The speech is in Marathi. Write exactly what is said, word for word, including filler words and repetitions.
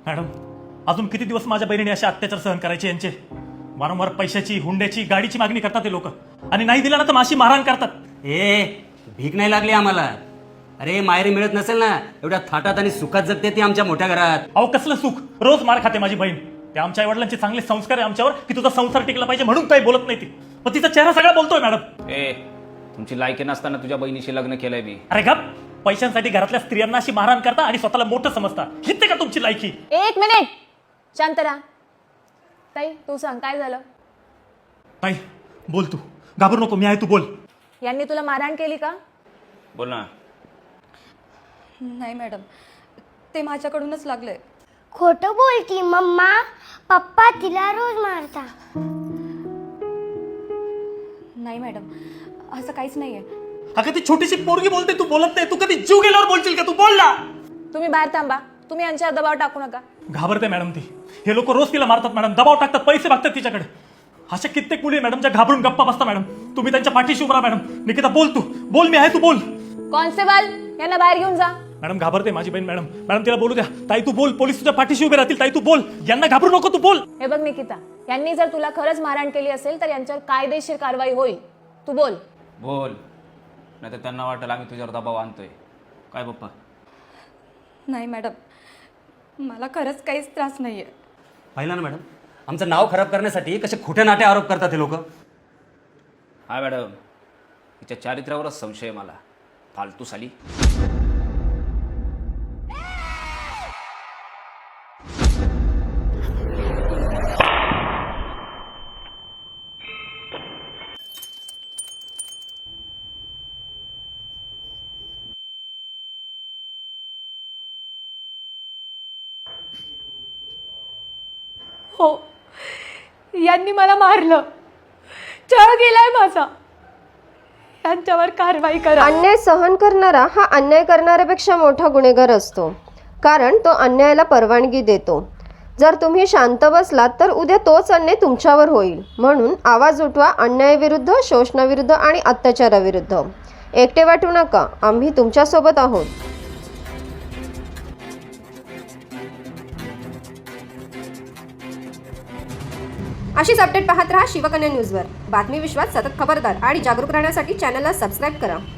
मॅडम अजून किती दिवस माझ्या बहिणीने असे अत्याचार सहन करायचे यांचे? वारंवार पैशाची, हुंड्याची, गाडीची मागणी करतात ते लोक आणि नाही दिला ना तर माशी मारहाण करतात। ए भीक नाही लागली आम्हाला। अरे माहेरी मिळत नसेल ना एवढ्या थाटात आणि सुखात जगते ती आमच्या मोठ्या घरात। अहो कसलं सुख, रोज मार खाते माझी बहीण। त्या आमच्या आई वडिलांचे चांगले संस्कार आहे आमच्यावर की तुझा संसार टिकला पाहिजे म्हणून काही बोलत नाही ती, पण तिचा चेहरा सगळा बोलतोय मॅडम। ए तुमची लायकी नसताना तुझ्या बहिणीशी लग्न केलंय मी। अरे गप, पैशांसाठी घरातल्या स्त्रियांना अशी मारहाण करता आणि स्वतःला मोठं समजता, हिते का तुमची लायकी? एक मिनिट शांत राहा। ताई तू सांग काय झालं? ताई बोल, तू घाबरू नको, मी आहे, तू बोल। यांनी तुला मारहाण केली का? बोल ना। नाही मॅडम, ते माझ्याकडूनच लागलंय। खोटं बोलती मम्मा, पप्पा तिला रोज मारता। नाही मॅडम, असं काहीच नाहीये। अगं ती छोटीशी पोरगी बोलते, तू बोलत नाही। तू कधी जीव गेल्यावर बोलशील का? तू बोल ना। तुम्ही बाहेर थांबा, तुम्ही यांच्यावर दबाव टाकू नका। घाबरते मॅडम ती, हे लोक रोज तिला मारतात मॅडम, दबाव टाकतात, पैसे मागतात तिच्याकडे। अशा कित्येक मुली मॅडम ज्या घाबरून गप्पा बसता मॅडम, तुम्ही त्यांच्या पाठीशी उभा राहा मॅडम। निकिता बोल, तू बोल, मी आहे, तू बोल। कॉन्स्टेबल यांना बाहेर घेऊन जा। मॅडम घाबरते माझी बहीण मॅडम, मॅडम तिला बोलू द्या। ताई तू बोल, पोलीस तुझ्या पाठीशी उभे राहतील। ताई तू बोल, यांना घाबरू नको, तू बोल। हे बघ निकिता, यांनी जर तुला खरंच मारहाण केली असेल तर यांच्यावर कायदेशीर कारवाई होईल, तू बोल। बोल, नाही तर त्यांना वाटेल आम्ही तुझ्यावर दबाव आणतोय। काय पप्पा? नाही मॅडम, मला खरंच काहीच त्रास नाहीये। पाहिलं ना मॅडम, आमचं नाव खराब करण्यासाठी कसे खोटे नाटे आरोप करतात हे लोक। हा मॅडम, तिच्या चारित्र्यावरच संशय मला, फालतू साली। हो, यांनी मला मारलं, छळ केलाय माझा। यांच्यावर कारवाई करा। अन्याय सहन करणारा हा अन्याय करणाऱ्यापेक्षा मोठा गुन्हेगार असतो, कारण तो अन्यायाला परवानगी देतो। जर तुम्ही शांत बसलात तर उद्या तोच अन्याय तुमच्यावर होईल। म्हणून आवाज उठवा अन्यायाविरुद्ध, शोषणाविरुद्ध आणि अत्याचाराविरुद्ध। एकटे वाटू नका, आम्ही तुमच्यासोबत आहोत। अशीच अपडेट पाहत रहा शिवकन्या न्यूजवर। बातमी विश्वात सतत खबरदार आणि जागरूक राहण्यासाठी चॅनलला सबस्क्राईब करा।